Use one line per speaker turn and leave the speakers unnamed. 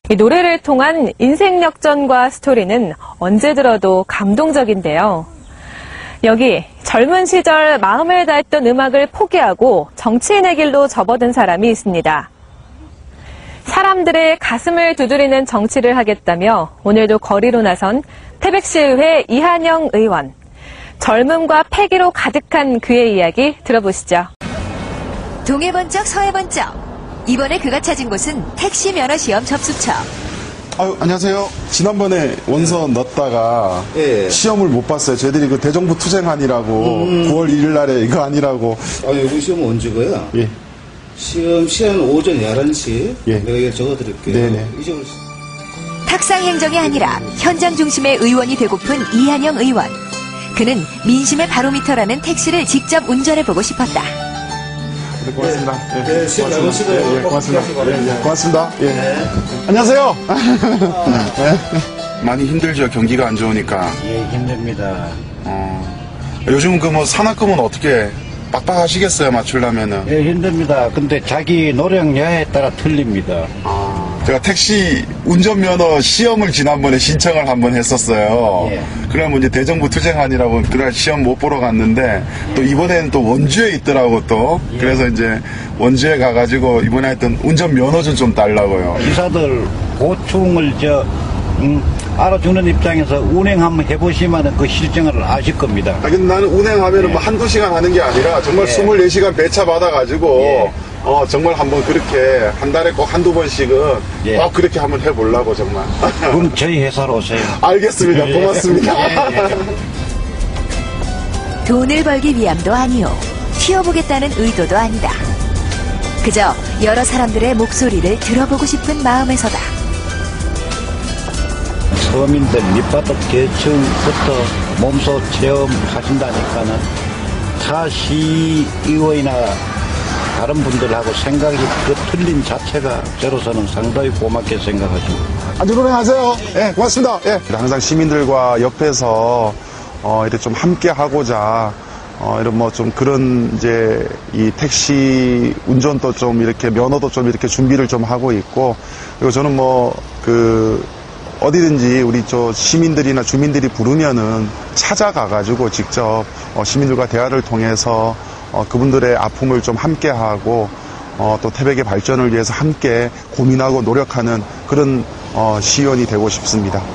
이 노래를 통한 인생 역전과 스토리는 언제 들어도 감동적인데요. 여기 젊은 시절 마음을 다했던 음악을 포기하고 정치인의 길로 접어든 사람이 있습니다. 사람들의 가슴을 두드리는 정치를 하겠다며 오늘도 거리로 나선 태백시의회 이한영 의원. 젊음과 패기로 가득한 그의 이야기 들어보시죠.
동해 번쩍 서해 번쩍. 이번에 그가 찾은 곳은 택시 면허 시험 접수처.
아유, 안녕하세요. 지난번에 원서 넣었다가 시험을 못 봤어요. 저희들이 그 대정부 투쟁안이라고 9월 1일 날에 이거 아니라고.
여기 시험 언제 거야?
예.
시간 오전 11시.
예.
내가 이거 적어드릴게요.
네네.
탁상 행정이 아니라 현장 중심의 의원이 되고픈 이한영 의원. 그는 민심의 바로미터라는 택시를 직접 운전해보고 싶었다.
네, 고맙습니다.
네, 시험 잘 보시고요.
고맙습니다. 고맙습니다. 예. 안녕하세요.
많이 힘들죠. 경기가 안 좋으니까.
예, 힘듭니다.
요즘은 그 뭐 산학금은 어떻게 빡빡하시겠어요, 맞추려면은?
예, 힘듭니다. 근데 자기 노력량에 따라 틀립니다.
제가 택시 운전면허 시험을 지난번에 신청을 한번 했었어요.
예.
그러면 이제 대정부 투쟁안이라고 그날 시험 못 보러 갔는데 또 이번에는 또 원주에 있더라고 또.
예.
그래서 이제 원주에 가가지고 이번에 했던 운전면허 좀 달라고요.
기사들 고충을 알아주는 입장에서 운행 한번 해보시면 그 실정을 아실 겁니다.
근데 나는 운행하면은 뭐 한두 시간 하는 게 아니라 정말 24시간 배차 받아가지고 정말 한번 그렇게 한 달에 꼭 한두 번씩은 꼭 그렇게 한번 해보려고 정말.
그럼 저희 회사로 오세요.
알겠습니다. 고맙습니다.
돈을 벌기 위함도 아니오. 튀어보겠다는 의도도 아니다. 그저 여러 사람들의 목소리를 들어보고 싶은 마음에서다.
서민들 밑바닥 계층부터 몸소 체험하신다니까는 타 시의원이나 다른 분들하고 생각이 틀린 자체가 저로서는 상당히 고맙게 생각하십니다.
아주 고생하세요. 예, 고맙습니다. 예. 항상 시민들과 옆에서 이렇게 좀 함께 하고자 이런 뭐 좀 그런 이제 이 택시 운전도 좀 이렇게 면허도 좀 이렇게 준비를 좀 하고 있고, 그리고 저는 뭐 어디든지 우리 시민들이나 주민들이 부르면은 찾아가가지고 직접 시민들과 대화를 통해서 그분들의 아픔을 좀 함께하고 또 태백의 발전을 위해서 함께 고민하고 노력하는 그런 시의원이 되고 싶습니다.